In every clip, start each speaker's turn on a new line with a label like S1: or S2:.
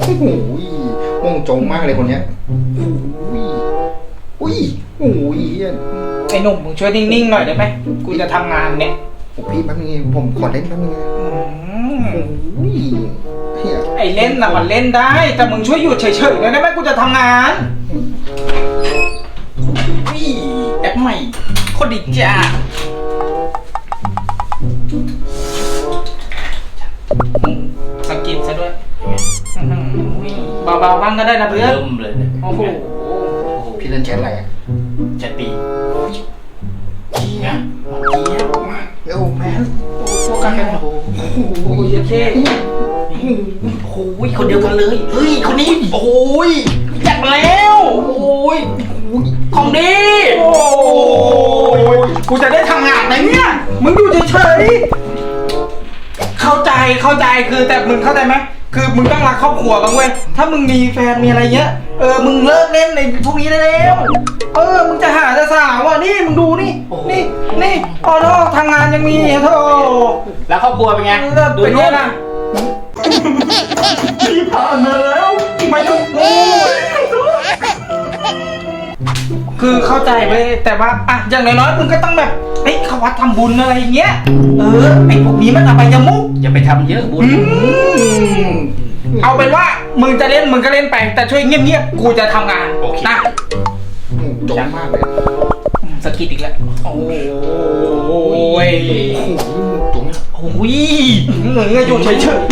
S1: โหม่วงจงมากเลยคนเนี้ยอุ้ยโอ้ย
S2: ไอ้หนุ่มมึงช่วยนิ่งๆหน่อยได้ไหมกูจะทำงานเนี่ย
S1: พี่แป๊บนึงผมขอเล่นแป๊บนึงโอ้ย
S2: ไอ้เล่นนะมันเล่นได้แต่มึงช่วยหยุดเฉยๆหน่อยได้ไหมกูจะทำงาน
S3: แอปใหม่โคตรดีจ้า
S2: สกินซะด้วยเบาๆบ้างก็ได้นะเพื่อน
S3: เริ่มเลยเนี่ย
S2: โอ้โห
S1: พี่เล่นแชทอะไรอ่ะ
S3: แชทปีเจี๊ยบ
S1: มาเร็วแมน
S2: พวกกันโอ้โหเท่
S3: โอ้ยคนเดียวกันเลยเฮ้ยคนนี้โอ้ยจัดมาแล้วโอ้ยของดี
S2: โอ้ยกูจะได้ทำงานไหมเนี่ยมึงอยู่เฉยๆเข้าใจคือแต่มึงเข้าใจไหมคือมึงต้องรักครอบครัวบ้างเว้ยถ้ามึงมีแฟนมีอะไรเงี้ยมึงเลิกเล่นในพวกนี้ได้แล้วมึงจะหาแต่สาวอ่ะนี่มึงดูนี่อ๋อโธ่ทำงานยังมีโธ่
S3: แล้วครอบครัวเป็นไงดู
S2: เป็นไง
S3: นู่น
S2: ล่ะที่ผ่านมาแล้วไม่ต้องพูดคือเข้าใจเว้ยแต่ว่าอ่ะอย่างน้อยๆมึงก็ต้องแบบเข้าวัดทำบุญอะไรอย่างเงี้ยไอ้พวกนี้มันอบายมุข
S3: อย่าไปทำเยอะบุญ
S2: เอาเป็นว่ามึงจะเล่นมึงก็เล่นไปแต่ช่วยเงียบๆกูจะทำงานนะ
S1: จงมากเลย
S2: สกิดอีกแล้วโอ้ย
S1: จง
S3: โอ้ย
S2: เหนื่อยอยู่เฉย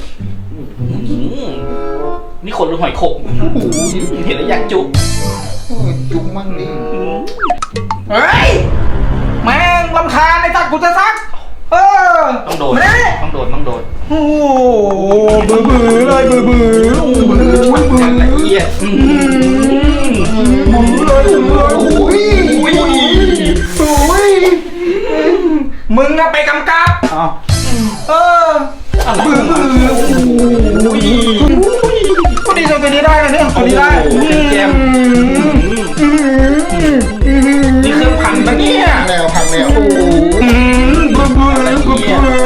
S3: นี่คนหรือหอยขมเห็นแล้วอยากจุ
S1: จุกมั่งนี่
S2: เฮ้ยแม่งรำคาญไอ้ตัดกูจะซัก
S3: ต้องโดน
S2: โอ้เบื่อเลยเบื่อ
S3: ละเอียด
S2: มึงอะไปกำกับเบื่อคนนี้จะไปนี้ได้นะเนี่ยคนนี้ได้
S3: แจมนี่เครื่องพันปะเนี่ย
S1: แนวพันแนว
S3: ละเอียด